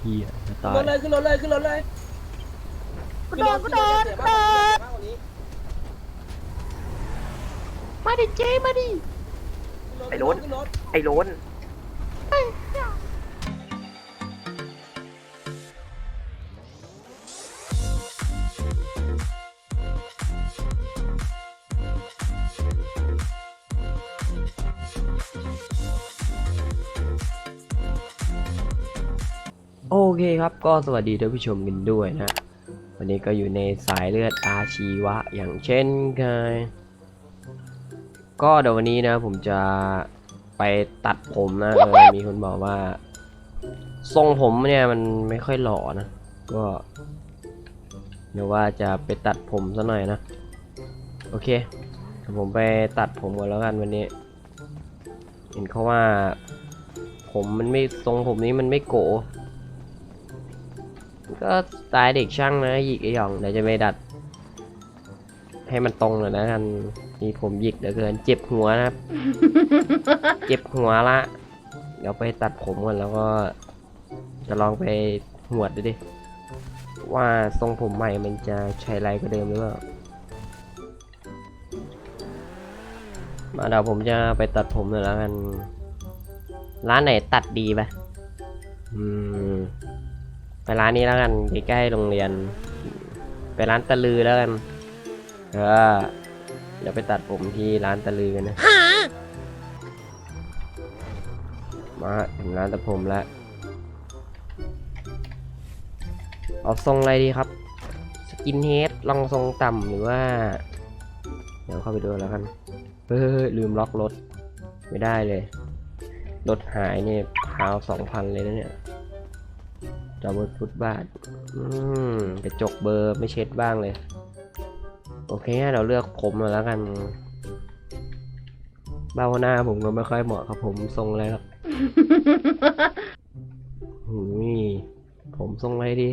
เฮียจะตายขึ้นรถเลยขึ้นรถเลยขึ้นรถเลยกูโดนมาดิเจมาดิไอ้โล้นไอ้โล้นโอเคครับก็สวัสดีท่านผู้ชมกันด้วยนะ วันนี้ก็อยู่ในสายเลือดอาชีวะอย่างเช่นเคยก็เดี๋ยววันนี้นะผมจะไปตัดผมนะมีคนบอกว่าทรงผมเนี่ยมันไม่ค่อยหล่อนะก็เดี๋ยวว่าจะไปตัดผมซะหน่อยนะโอเคเดี๋ยวผมไปตัดผมก่อนแล้วกันวันนี้เห็นเขาว่าผมมันไม่ทรงผมนี้มันไม่โกก็สไตล์เด็กช่างนะหยิกไอ้หย่องเดี๋ยวจะไปดัดให้มันตรงหน่อยนะกันนี่ผมหยิกเหลือเกินเจ็บหัวนะครับ เจ็บหัวละเดี๋ยวไปตัดผมก่อนแล้วก็จะลองไปหวดดูดิว่าทรงผมใหม่มันจะใช้ไรกว่าเดิมหรือเปล่ามาเดี๋ยวผมจะไปตัดผมหน่อยแล้วกันร้านไหนตัดดีปะไปร้านนี้แล้วกันใกล้ๆโรงเรียนไปร้านตะลือแล้วกันเดี๋ยวไปตัดผมที่ร้านตะลือกันนะมาถึงร้านตัดผมแล้วเอาทรงอะไรดีครับสกินเฮดลองทรงต่ำหรือว่าเดี๋ยวเข้าไปดูแล้วกันลืมล็อกรถไม่ได้เลยรถหายเนี่ยพาว 2,000 เลยนะเนี่ยดับเบิลฟุตบาทกระจกเบอร์ไม่เช็ดบ้างเลยโอเคเราเลือกผมมาแล้วกันเบ้าหน้าผมก็ไม่ค่อยเหมาะกับผมทรงอะไรครับ ผมทรงอะไรดี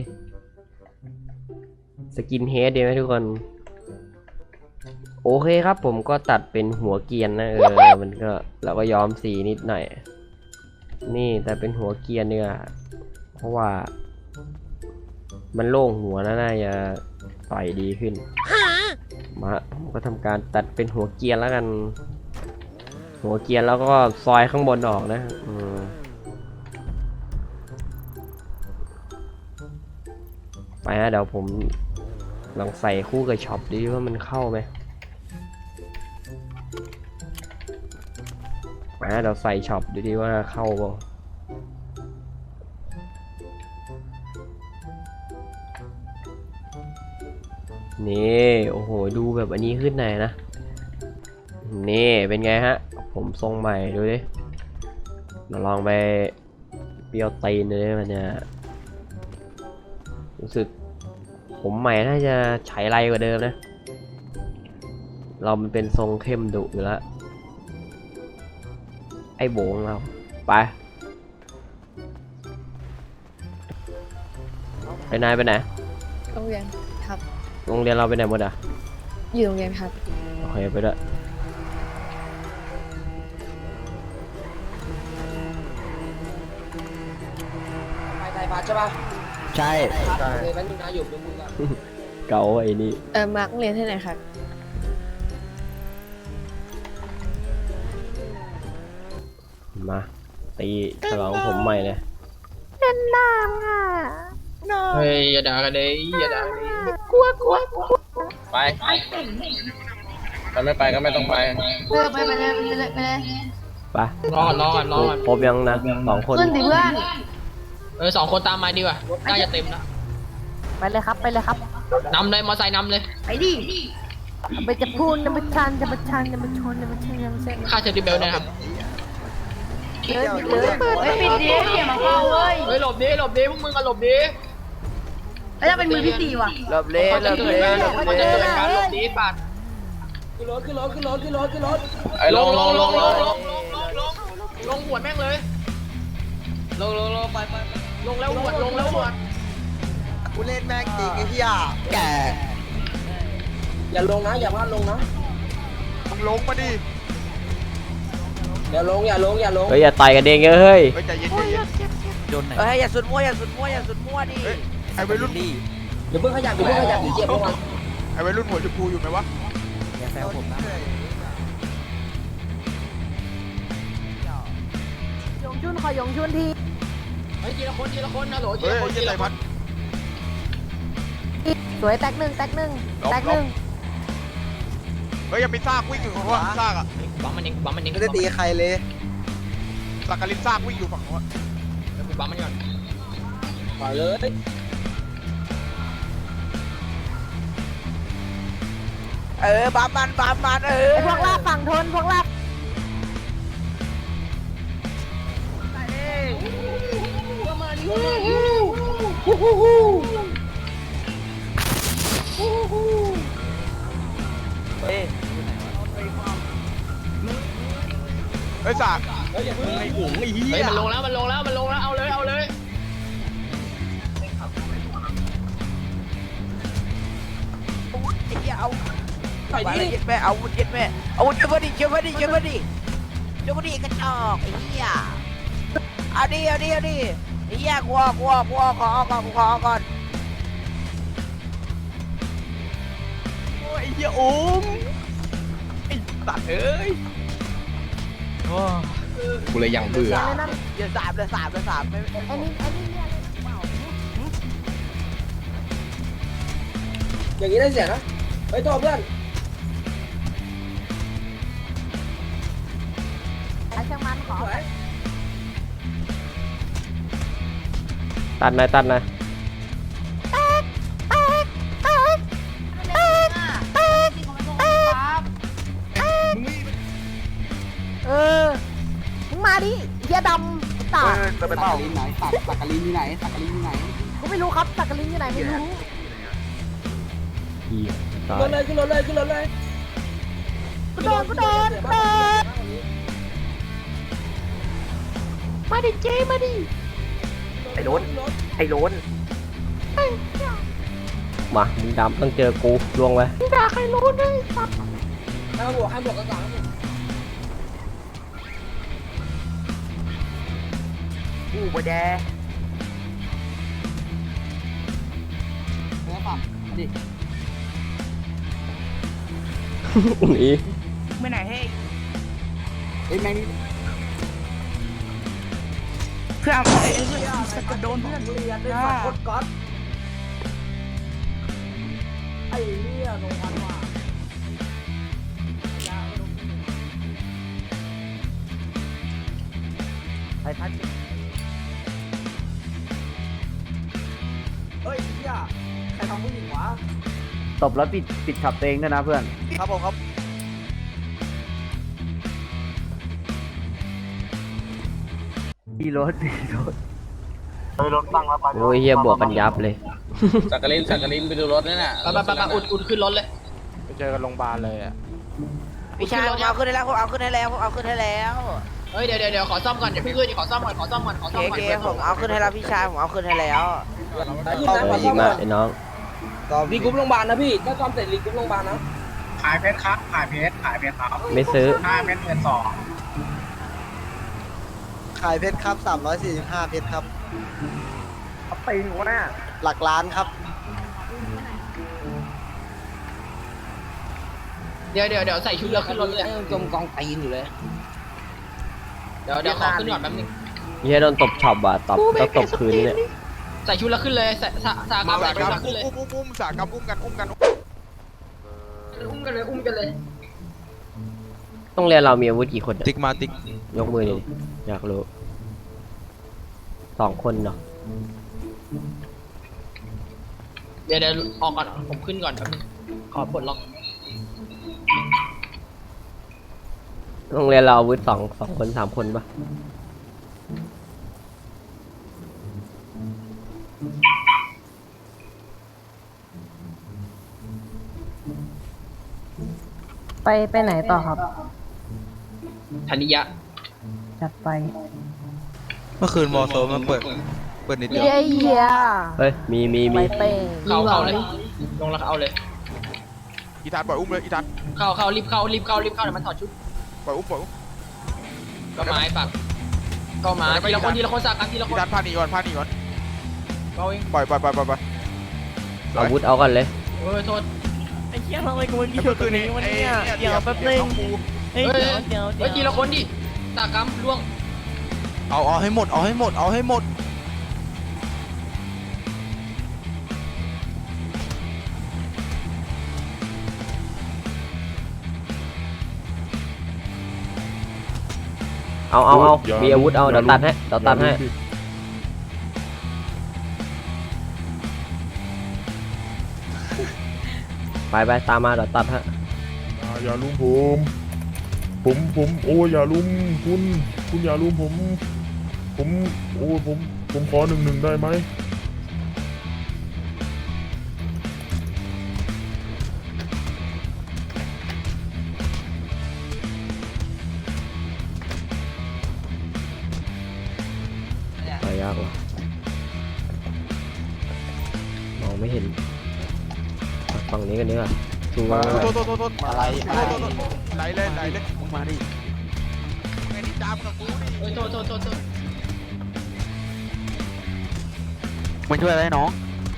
สกินเฮดดีไหมทุกคนโอเคครับผมก็ตัดเป็นหัวเกรียนนะมันก็เราก็ย้อมสีนิดหน่อยนี่แต่เป็นหัวเกรียนเนี่ยเพราะว่ามันโล่งหัวนะน่าจะต่อยดีขึ้นมาผมก็ทำการตัดเป็นหัวเกรียนแล้วกันหัวเกรียนแล้วก็ซอยข้างบนออกนะไปนะเดี๋ยวผมลองใส่คู่กับช็อปดูว่ามันเข้าไหมไปนะเดี๋ยวใส่ช็อปดูดิว่าเข้าเปล่านี่โอ้โหดูแบบอันนี้ขึ้นไหนนะนี่เป็นไงฮะผมทรงใหม่ดูดิมาลองไปเปรี้ยวตีนเลยมันจะรู้สึกผมใหม่น่าจะใช้ไรกว่าเดิมนะเรามันเป็นทรงเข้มดุอยู่แล้วไอ้โบงเราไปไหนไปไหนโรงเรียนครับโรงเรียนเราไปไหนหมดอ่ะอยู่โรงเรียนครับโอเคไปด้วยไทยพัดใช่ป่ะใช่เลยมันนะอยู่ตรงมึงอะเก่าไอ้นี่มาร์กโรงเรียนที่ไหนครับมาตีฉลองผมใหม่เลยเล่นน้ำอ่ะเฮ้ยอย่าด่ากันเลยอย่าด่ากันเลยกลัวไปถ้าไม่ไปก็ไม่ต้องไปไปเลยไปรอครบยังนะ2 คนขึ้นดิเพื่อน 2 คนตามมาดีกว่าน่าจะเต็มแล้วไปเลยครับนำเลยมอไซค์นำเลยไปดิไปจะพูดจะมาชันค่าเชอร์ดิเบลนะครับไม่ปิดดิอย่ามาเข้าเว้ยหลบดิพวกมึงก็หลบดิแล้วจะเป็นมือที่4ว่ะหลบเล่มันจะเกิดการหลบดิปัดขึ้นรถไอ้ลงหัวแม่งเลยลงไปลงแล้วหัวกูเล่นแม่งจริงไอ้เหี้ยแกอย่าลงนะอย่าพลาดลงนะมึงลงมาดิอย่าลงอย่าลงอย่าลงเฮ้ยอย่าต่อยกันเองเฮ้ยเฮ้ยใจเย็นใจเย็นโดนไหนเอ้ยอย่าสุดมั่วอย่าสุดมั่วอย่าสุดมั่วดิเฮ้ยไอ้วัยรุ่นอย่าเพิ่งขยับอย่าเพิ่งขยับเดี๋ยวเจ็บพวกมันไอ้วัยรุ่นหัวชมพูอยู่ไหมวะอย่าแซวผมนะยงชุนขอยงชุนทีเฮ้ยทีละคนนะโหลทีเฮ้ยละคนเย็ทีนใจละคพันดสวยแตกหนึ่งแตกหนึ่งแตกหนึ่งเฮ้ยยังมีซากวิ่งอยู่ฝั่งโน้นซากอ่ะบัมมันเองบัมมันเองไม่ได้ตีใครเลยซากกาลินซากวิ่งอยู่ฝั่งโน้นบัมมันก่อนปล่อยเลยบามันไอพวกลาบฝั่งทนพวกลาบเฮ้ยซากเฮ้ยอย่าเพิ่งไอ้หุงไอ้เหี้ยเฮ้ยมันลงแล้วเอาเลยไอ้เหี้ยเอาใส่ไปดิเลยยึดแม่เอายึดแม่เอาเชื่อมาดิเชื่อมาดิกระจอกไอ้เหี้ยเอาดิไอ้เหี้ยกลัวขอก่อนโอ้ยไอ้เหี้ยอุ้มไอ้สัตว์เอ้ยกูเลยยังเบื่อเลยนั่นเดี๋ยวสามไม่ไอ้นี่เนี่ยเลยเปล่าอย่างนี้ได้เสียนะไปต่อเพื่อนไอ้ช่างมันขอตัดหน่อยตัดหน่อยเออมึงมาดิเฮียดำตาไปเปล่าสักกะลินอยู่ไหนสักกะลินอยู่ไหนกูไม่รู้ครับสักกะลินอยู่ไหนไม่รู้เหี้ยตายขึ้นรถเลยกูโดนมาดิเจมาดิไอ้โล้นมามึงดำต้องเจอกูลวงไปด่าใครรู้ด้วยสัตว์ห้ามบวกกันก่อนอู้บ่แดแล้วฝั่งดิหนีไม่ไหนให้เฮ้ยแม่งนี่เพื่อนไอ้เหี้ยจะโดนเพื่อนเรียนด้วยฝันโคตรก๊อตไอ้เหี้ยลงพันว่ะไอ้ทัดเฮ้ยเหี้ยใครทำผู้หญิงวะตบแล้วปิดขับตัวเองด้วยนะเพื่อนครับผมครับดีรถโอ้ยเฮียบวกกันยับเลยสักกะลินไปดูรถนั่นน่ะไปอุ่นขึ้นรถเลยไปเจอกันโรงพยาบาลเลยอ่ะพี่ชายผมเอาขึ้นให้แล้วผมเอาขึ้นให้แล้วเฮ้ยเดี๋ยวขอซ่อมก่อนอย่าเพิ่งขึ้นขอซ่อมก่อนโอเคผมเอาขึ้นให้แล้วพี่ชายผมเอาขึ้นให้แล้วดีมากไอ้น้องรีกรุ๊ปโรงพยาบาลนะพี่ถ้าซ่อมเสร็จรีกรุ๊ปโรงพยาบาลนะขายเพชรครับ ขายเพชรครับไม่ซื้อ 5 เม็ดเงิน2 ขายเพชรครับ345เพชรครับตีนหัวหน้าหลักล้านครับเดี๋ยวใส่ชุดแล้วขึ้นรถเลยจมกองตีนอยู่เลยเดี๋ยวขอขึ้นก่อนแป๊บนึงเฮียโดนตบช็อปว่ะตบต้องตบคืนเนี่ยใส่ชุดแล้วขึ้นเลยสากรรมใส่ชุดแล้วขึ้นเลยอุ้มสากรรมอุ้มกันอุ้มกันเลยต้องเรียนเรามีอาวุธกี่คนเนี่ยติ๊กมาติ๊กยกมือดิอยากรู้2 คนเนาะเดี๋ยวออกก่อนผมขึ้นก่อนแป๊บนึงขอปลดล็อกต้องเรียนเราอาวุธ2 คน 3 คนปะไปไหนต่อครับธนิยะจัดไปเมื่อคืนมอโซมันเปิดนิดเดียวเฮียเฮ้ยมีไปเป้งเข้าเลยลงแล้วเอาเลยอีทันปล่อยอุ้มเลยอีทันเข้ารีบเข้าเดี๋ยวมันถอดชุดปล่อยอุ้มก็ไม้ปักก็มาทีละคนสักกันทีละคนดันพาหนีก่อนก็เองปล่อยอาวุธเอากันเลยโทษไอ้เหี้ยทำไมกูมันกี่ตัวนี้วันนี้เดี๋ยวแป๊บนึงเฮ้ยเดี๋ยวเฮ้ยทีละคนดิสักกันล่วงเอาให้หมดเอามีอาวุธเอาเดี๋ยวตัดให้ไปตามมาเดี๋ยวตัดให้อย่าลุมผมโอ้ยอย่าลุมคุณอย่าลุมผมขอ1-1ได้ไหมไปยากว่ะมองไม่เห็นฝั่งนี้กันดีกว่าสู้ว่าโทษอะไรไหลเลยมึงมาดิไงดิจามกับกูดิเฮ้ยโทษมาช่วยอะไรน้อง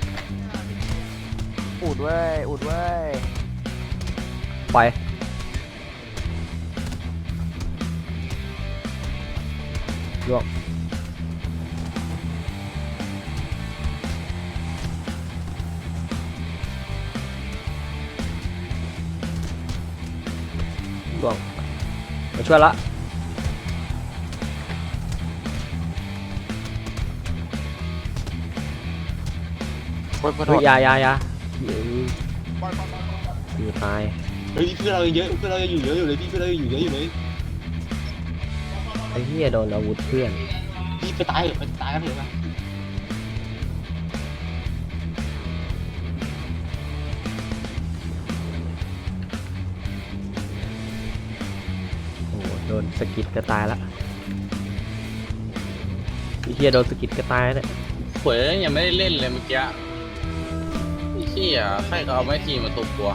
อุดเว้ยไปล่วงมาช่วยละเฮ้ยอยาอยู่ตายเฮ้ยเพื่อนเราเยอะอยู่เลยพี่เพื่อนเราอยู่เยอะอยู่เลยไอ้เหี้ยโดนอาวุธเพื่อนพี่ไปตายกันเถอะปะโอ้โหโดนสกิดก็ตายละไอ้เหี้ยโดนสกิดก็ตายเนี่ยหวยยังไม่ได้เล่นเลยเมื่อกี้ไอ้เหี้ยใครเขาเอาไม้ทีมาตุบตัว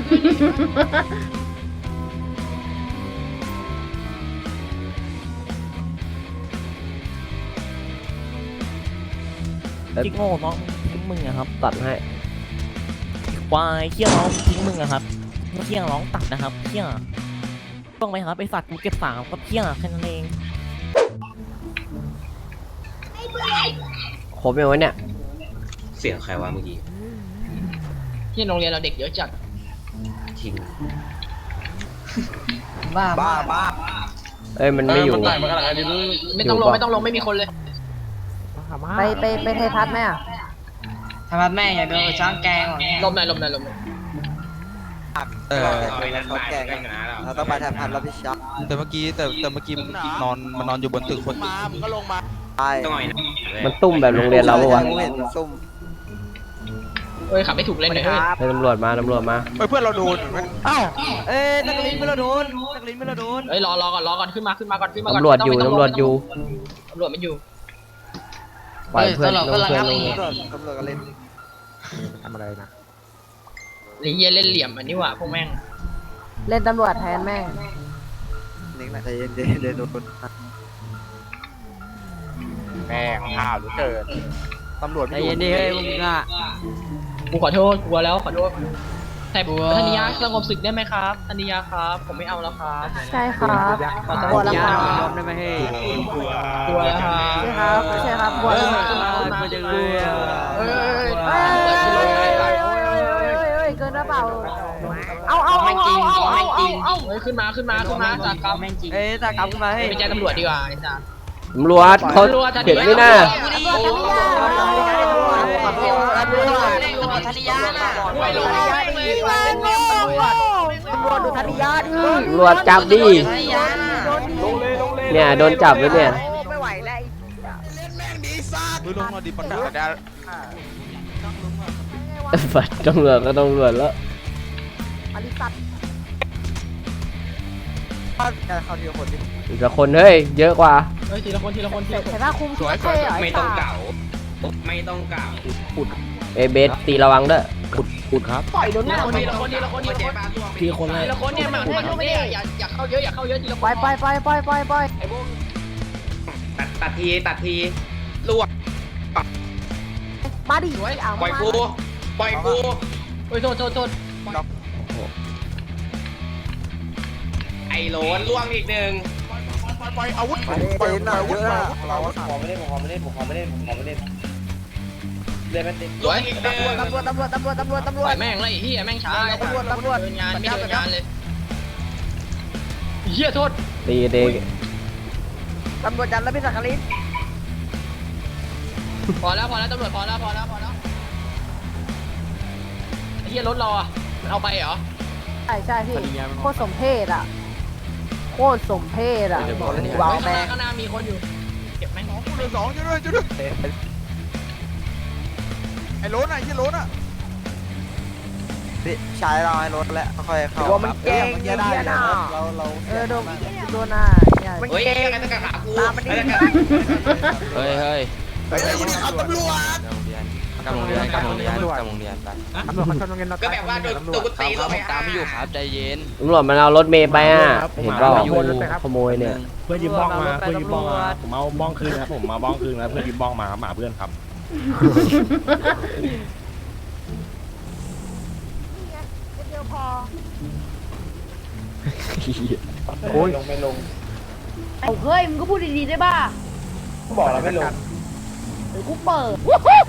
จิ๊กโง่น้องทิ้งมึงอะครับตัดให้ควายเหี้ยน้องทิ้งมึงอะครับเหี้ยร้องตัดนะครับเหี้ยต้องไหมครับไอสัตว์กูเก็บ3ก็เหี้ยแค่นั้นเองครบยังวะเนี่ยเสียงใครวะเมื่อกี้ที่โรงเรียนเราเด็กเยอะจัดทิ้งบ้าเอ้ยมันไม่อยู่ไม่ต้องลงไม่มีคนเลยไปไทยพัฒน์ไหมอ่ะทำไมแม่อยากโดนช้างแกงหรอลมหน่อยเขาแก่กันเราต้องไปทำพันรับผิดชอบแต่เมื่อกี้มันนอนอยู่บนตึกคนมึงก็ลงมาต้องหน่อยนะมันตุ้มแบบโรงเรียนเราปะวะเฮ้ยขับไม่ถูกเล่นเลยเฮ้ยให้ตำรวจมาเฮ้ยเพื่อนเราโดนนักเรียนไม่เราโดนเฮ้ยรอก่อนขึ้นมาก่อนตำรวจอยู่ตำรวจไม่อยู่ปล่อยเพื่อนลงตำรวจก็เล่นทำอะไรนะไอ้เหี้ยเล่นเหลี่ยมอันนี้ว่ะพวกแม่งเล่นตำรวจแทนแม่งนิ่งนะใจเย็นโดนแม่งข่าวหรือเกินตำรวจใจเย็นดิเฮ้ยมึงอ่ะกูขอโทษกลัวแล้วขอโทษแต่ธนิยาสงบศึกได้ไหมครับธนิยาครับผมไม่เอาแล้วครับใช่ครับขอโทกลัวษแล้วยครับยอมได้ไหมเฮ้ยกลัวแล้วครับใช่ครับกลัวแล้วครับกูจะรู้เฮ้ยเกินหรือเปล่าเอาเฮ้ยขึ้นมาจากกรรมเอ้ยตากลับขึ้นมาเฮ้ยไปแจ้งตำรวจดีกว่าไอ้สัสตำรวจเขาเห็นไหมน่ะธนิยาน่ะตำรวจดูธนิยาดิตำรวจจับดิธนิยาน่ะเนี่ยโดนจับแล้วเนี่ยไม่ไหวแล้วมือลงมาดิปัญหาได้ฝัดตำรวจก็ตำรวจแล้วอลิสัตเข้าทีละคนดิอีกสักคนเฮ้ยเยอะกว่าเฮ้ยทีละคนเห็นว่าคุมชุดเท่เหรอไม่ต้องเก่าไม่ต้องเก่าเอยเบสตีระวังเด้อขุดครับปล่อยโดนหน้าคนนี้ละคนนี้ละคนนี้ละคนทีคนเลยทีละคนเนี่ยมาเนี่ยอย่าเข้าเยอะอย่าเข้าเยอะทีละคนไปไไอ้ปพวกตัดทีลวกมาดิสวยเอาปล่อยกูโอ้ยโทษไอ้โหลนล่วงอีกหนึ่งปล่อยอาวุธไปเต็นท์เยอะอะเราล่วงอีกหนึ่งตำรวปล่จอยแม่งเลยไอ้เฮียแม่งช้าเดินงานไม่เดินงานเลยเฮียโทษตีเดตำรวจจับแล้วพี่สักกะลินพอแล้วตำรวจพอแล้วไอ้เฮียรถเราอ่ะมันเอาไปเหรอใช่พี่โคตรสมเพศอ่ะวาวแม่ข้างหน้ามีคนอยู่เก็บแม่งเหลือ2ช่วยด้วยไอ้โล้นอ่ะยี่โล้นอ่ะใช้เราให้รถแล้วค่อยเข้าว่ามันเก่งจะได้เนี่ยนะเราโดนหน้าเนี่ยเฮ้ยอะไรตะขากูตามมันดิเฮ้ยเฮ้ยขับตำรวจกำลังเรียนไปตำรวจเขาชนโรงเรียนเราก็แบบว่าโดนตัวกูตีเราไปตามไม่อยู่ครับใจเย็นตำรวจมันเอารถเมย์ไปอ่ะ เห็นเปล่าขโมยเนี่ยเพื่อนยืมบ้องมาเพื่อนยืมบ้องมาผมเอาบ้องคืนครับผมมาบ้องคืนแล้วเพื่อนยืมบ้องมาครับหมาเพื่อนครับเดียวพอโอ้ยเอาเฮ้ยมึงก็พูดดีๆได้ป่ะบอกเราไม่ลงเดี๋ยวกูเปิด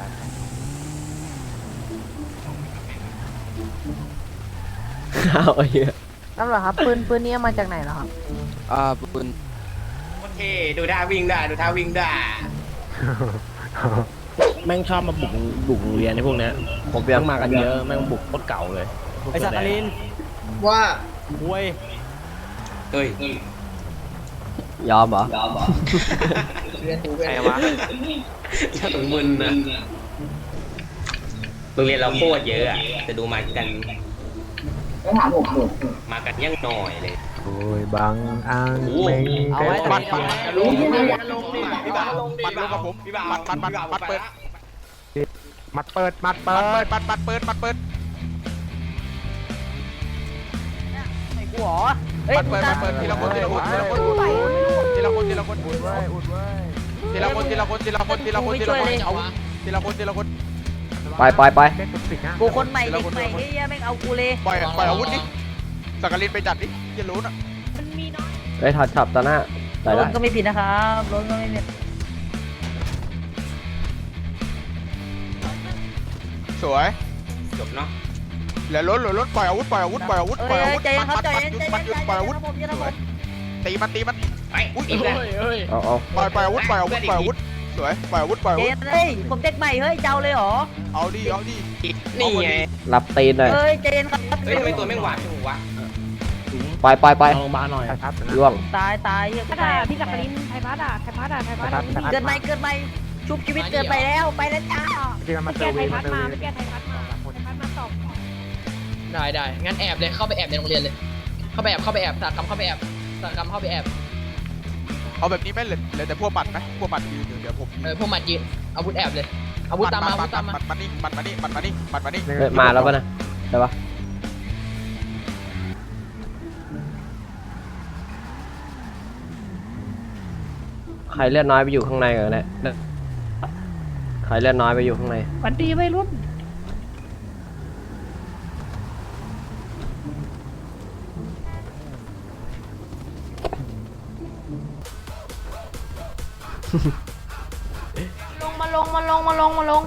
เอาไอ้เหี้ยตำรวจครับปืนนี้มาจากไหนเหรอครับปืนโอเคดูท่าวิ่งได้แม่งชอบมาบุกโรงเรียนในพวกเนี้ยผมแม่ยังงมากันเยอะแม่งบุกโคตรเก่าเลยไอ้สักกะลินว่าเว้ยเฮ้ยยอมเหรอใครวะถึงมึนนะโรงเรียนเราโคตรเยอะอ่ะจะดูมากันมากันยังหน่อยเลยโอ้ยบางอ่างเอาไว้ปัดลงพี่บ่าวปัดลงกับผมปัดเปิดมัดเปิดปัดเปิดไอ้กูเหรอเฮ้ยปัดเปิดทีละคนอุดเว้ยทีละคนอุดเว้ยทีละคนไปกูคนใหม่เด็กใหม่เฮ้ยแม่งเอากูเลยปล่อยอาวุธดิสักกะลินไปจัดดิยี่โล้นอ่ะมันมีน้อยเฮ้ยขับตาหน้าได้รได้ถก็ไม่ผิดนะครับรถก็ไม่ผิดสวยจบเนาะเหลือล้นปล่อยอาวุธใจเย็นครับใจเย็นปล่อยอาวุธผมจะระเบิดตีมันไปอีกแล้วเอาปล่อยอาวุธสวยปล่อยอาวุธเย็นเฮ้ยผมเด็กใหม่เฮ้ยเจ้าเลยเหรอเอาดินี่ไงรับตีนหน่อยเฮ้ยใจเย็นครับเฮ้ยทำไมตัวแม่งหวานจังวะไปเอาโรงพยาบาลหน่อยล่วงตายเฮ้ยพี่จักรินไทยพัดเกิดใหม่ชุบชีวิตเกิดไปแล้วจ้าที่มันเซอร์เวย์มาไม่แก้ไทยพัดมาได้งั้นแอบเลยเข้าไปแอบในโรงเรียนเลยเข้าไปแอบสากรรมเข้าไปแอบเอาแบบนี้ไหมเหลือแต่พวกบัตรไหมพวกบัตรยืนเดี๋ยวผมพวกหมัดยืนอาวุธแอบเลยอาวุธตามมาบัตรมานี่เฮ้ยมาแล้วป่ะนะใช่ปะใครเลือดน้อยไปอยู่ข้างในกันเนี่ยใครเลือดน้อยไปอยู่ข้างในวันดีไม่รุ่น มาลง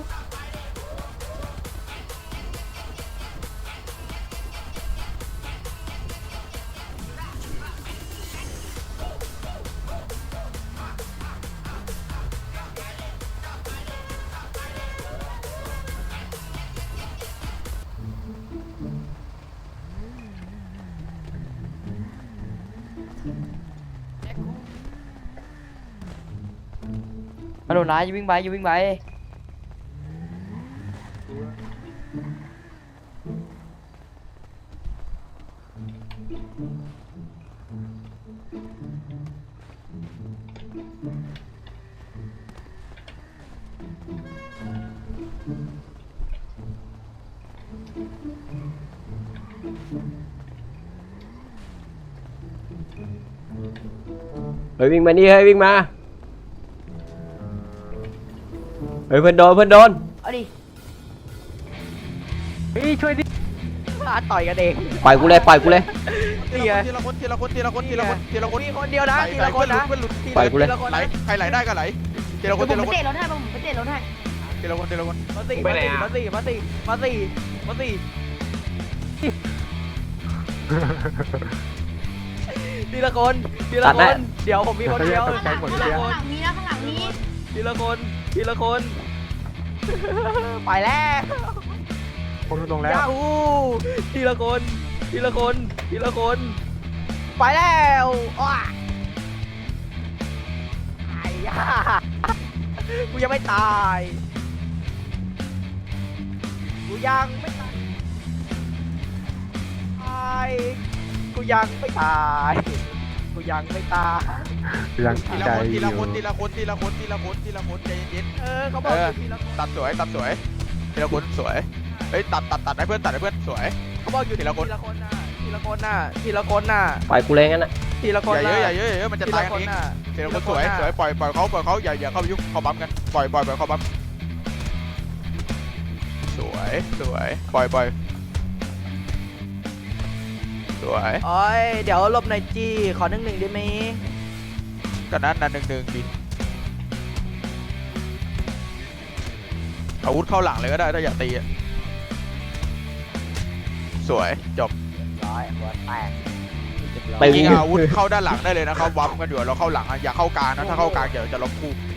มาโดนร้ายอย่าวิ่งไปเฮ้ยวิ่งมานี่เฮ้ยวิ่งมาเฮ้ยเพื่อนโดนเอาดิพี่ช่วยดิต่อยกันเองปล่อยกูเลยนี่ไงทีละคนมีคนเดียวนะทีละคนนะปล่อยกูเลยทีละคนไหลนะใครไหลได้ก็ไหลทีละคนผมไปเตะรถให้ผมไปเตะรถให้ทีละคนมาสี่ทีละคนเดี๋ยวผมมีคนเดียวใจหมดเดียวข้างหลังนี้นะข้างหลังนี้ทีละคนไปแล้วคนลงแล้วยาฮูทีละคนไปแล้วอ้าไอ้ย่ากูยังไม่ตายกูยังไม่ตายกูยังไม่ตายยังทีใจละอยู่คนใจเย็นเขาบอกอยู่ทีละคนตัดสวยทีละคนสวยเฮ้ยตัดให้เพื่อนสวยเขาบอกอยู่ทีละคนน่ะทีละคนน่ะปล่อยกูเลยงั้นนะทีละคนอย่าเยอะมันจะทีตายละกัคน นเองน่ะทีละคนสวยปล่อยเขาอย่าเข้าไปยุ่งเขาบั๊มกันปล่อยเขาบั๊มสวยปล่อยสวยโอ้ยเดี๋ยวหลบหน่อยจีขอ1-1ได้ไหมก็นั้น1-1บินอาวุธเข้าหลังเลยก็ได้ถ้าอยากตีสวยจบร้อยหัวแตกไปยิงอาวุธเข้าด้านหลังได้เลยนะครับวับกันอยู่เราเข้าหลังอย่าเข้ากลางนะถ้าเข้ากลางเดี๋ยวจะล้มคู่